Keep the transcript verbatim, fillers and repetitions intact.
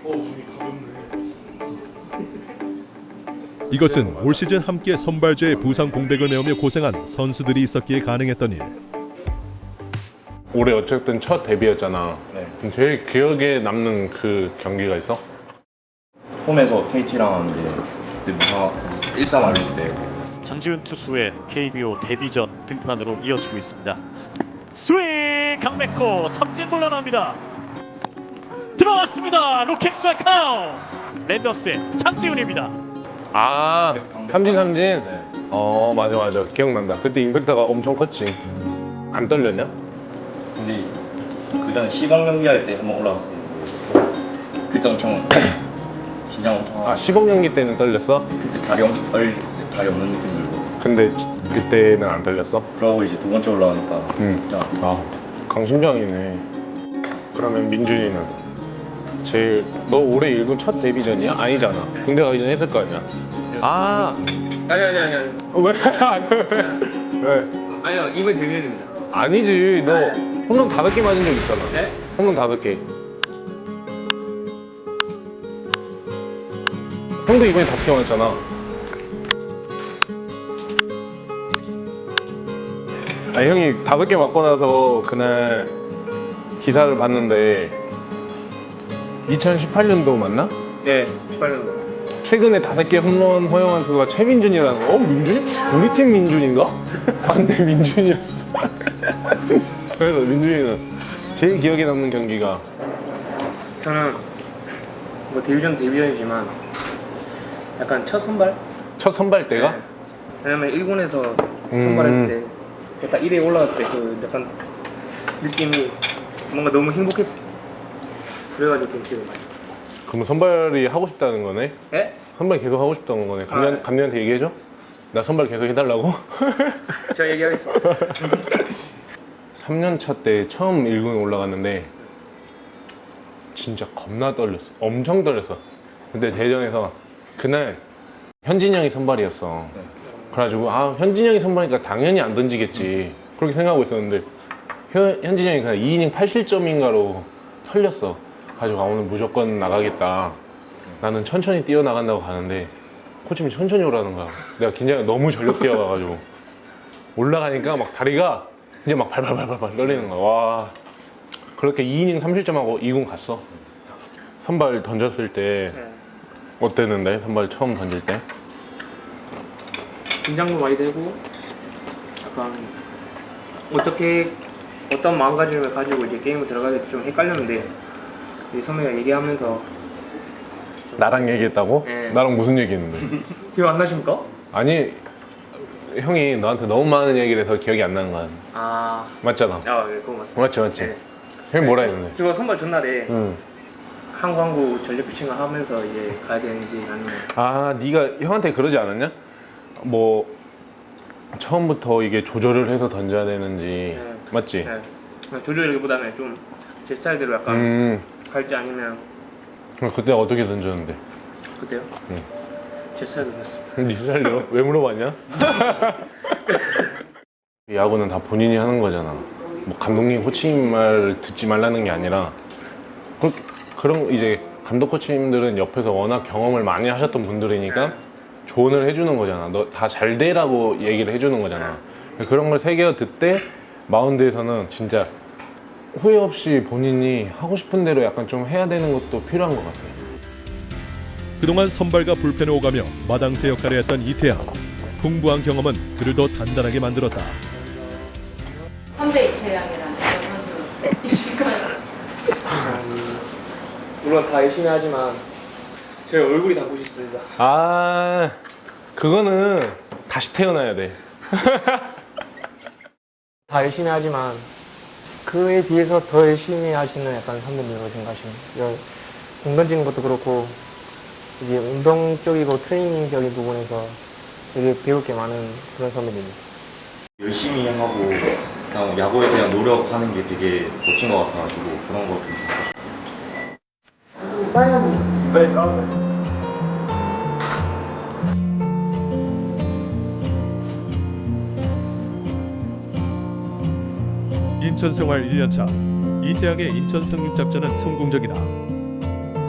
이것은 올 시즌 함께 선발주의 부상 공백을 메우며 고생한 선수들이 있었기에 가능했던 일. 올해 어쨌든 첫 데뷔였잖아. 네. 제일 기억에 남는 그 경기가 있어? 홈에서 케이티랑 이제 그때 무사 일 삼 알릴 때 장지훈 투수의 케이비오 데뷔전 등판으로 이어지고 있습니다. 스윙 강백호 삼진 물러납니다. 들어왔습니다. 로켓 스트라이크 아웃. 랜더스의 장지훈입니다. 아, 삼진 삼진? 네. 어, 맞아 맞아. 기억난다. 그때 임팩트가 엄청 컸지. 안 떨렸냐? 근데 그 전에 시범 경기 할 때 한번 올라갔어요. 그때 엄청 긴장 엄청 하고 아, 시범 경기 때는 떨렸어? 그때 다리 엄청 떨 다리 없는 느낌 들고 근데 지- 그때는 안 떨렸어? 그러고 이제 두 번째 올라가니까 응. 진짜 아, 강심장이네. 그러면 민준이는 제일 너 올해 일군 첫 데뷔전이야? 아니잖아. 군대 가기 전에 했을 거 아니야? 아, 아니 아니 아니 아니 어, 왜? 왜? 아니요 이번 데뷔입니다. 아니지. 너 홈런 다섯 개 맞은 적 있잖아. 네? 홈런 다섯 개. 형도 이번에 다섯 개 맞았잖아. 아니 형이 다섯 개 맞고 나서 그날 기사를 봤는데 이천십팔 년도 맞나? 네 십팔 년도. 최근에 다섯 개 홈런 허용한 수가 최민준이라는 거. 어? 민준? 우리 팀 민준인가? 반대 민준이었어. 그래서 민준이는 제일 기억에 남는 경기가 저는 뭐 데뷔전 데뷔전이지만 약간 첫 선발? 첫 선발 때가? 네. 왜냐면 일 군에서 선발했을 때 딱 일 위에 올라갈 때 그 약간 느낌이 뭔가 너무 행복했어. 그래가지고 좀 기억이 많이. 그럼 선발이 하고 싶다는 거네? 네? 선발 계속 하고 싶다는 거네. 감독, 아. 감독한테 얘기해줘? 나 선발 계속 해달라고? 제가 얘기하겠습니다. 삼 년 차 때 처음 일 군 올라갔는데 진짜 겁나 떨렸어. 엄청 떨렸어. 근데 대전에서 그날 현진이 형이 선발이었어. 그래가지고 아 현진이 형이 선발이니까 당연히 안 던지겠지 그렇게 생각하고 있었는데 현, 현진이 형이 그냥 이 이닝 팔 실점인가로 털렸어. 가지고 아 오늘 무조건 나가겠다. 나는 천천히 뛰어나간다고 가는데 코치님이 천천히 오라는 거야. 내가 긴장이 너무 전력 뛰어가가지고 올라가니까 막 다리가 이제 막 발발발발 떨리는 거야. 와 그렇게 이 이닝 삼 실점하고 이 군 갔어. 선발 던졌을 때 네. 어땠는데? 선발 처음 던질 때? 긴장도 많이 되고 약간 어떻게 어떤 마음가짐을 가지고 이제 게임을 들어가야 될지 좀 헷갈렸는데 이 선배가 얘기하면서 나랑 얘기했다고? 네. 나랑 무슨 얘기했는데? 기억 안 나십니까? 아니 형이 너한테 너무 많은 얘기를 해서 기억이 안 나는 거야. 아, 맞잖아. 아, 네, 그거 맞습니다. 맞지 맞지. 네. 형이 뭐라 네, 했는데? 저 선발 전날에 응. 한광구 전력 피칭을 하면서 이제 가야 되는지 아니면 아 네가 형한테 그러지 않았냐? 뭐 처음부터 이게 조절을 해서 던져야 되는지 네. 맞지? 네. 그냥 조절이기보다는 좀 제 스타일대로 약간 음 갈지 아니면 그럼 그때 어떻게 던졌는데? 그때요? 응. 제 스타일대로 했습니다. 네 살려? 왜 물어봤냐? 야구는 다 본인이 하는 거잖아. 뭐 감독님, 코치님 말 듣지 말라는 게 아니라 그, 그런 이제 감독 코치님들은 옆에서 워낙 경험을 많이 하셨던 분들이니까 조언을 해주는 거잖아. 너 다 잘 되라고 얘기를 해주는 거잖아. 그런 걸 새겨 듣때 마운드에서는 진짜 후회 없이 본인이 하고 싶은 대로 약간 좀 해야 되는 것도 필요한 것 같아. 그동안 선발과 불펜을 오가며 마당새 역할을 했던 이태양. 풍부한 경험은 그를 더 단단하게 만들었다. 선배 이태양이라는 선수이실까요? 물론 다 열심히 하지만 제 얼굴이 닮고 싶습니다. 아 그거는 다시 태어나야 돼. 다 열심히 하지만 그에 비해서 더 열심히 하시는 약간 선배님으로 생각하시면 공 던지는 것도 그렇고 이제 운동적이고 트레이닝적인 부분에서 되게 배울 게 많은 그런 선배님입니다. 열심히 하고 그냥 야구에 대한 노력하는 게 되게 멋진 것 같아가지고 그런 거 좀 인천 생활 일 년 차. 이태양의 인천 상륙 작전은 성공적이다.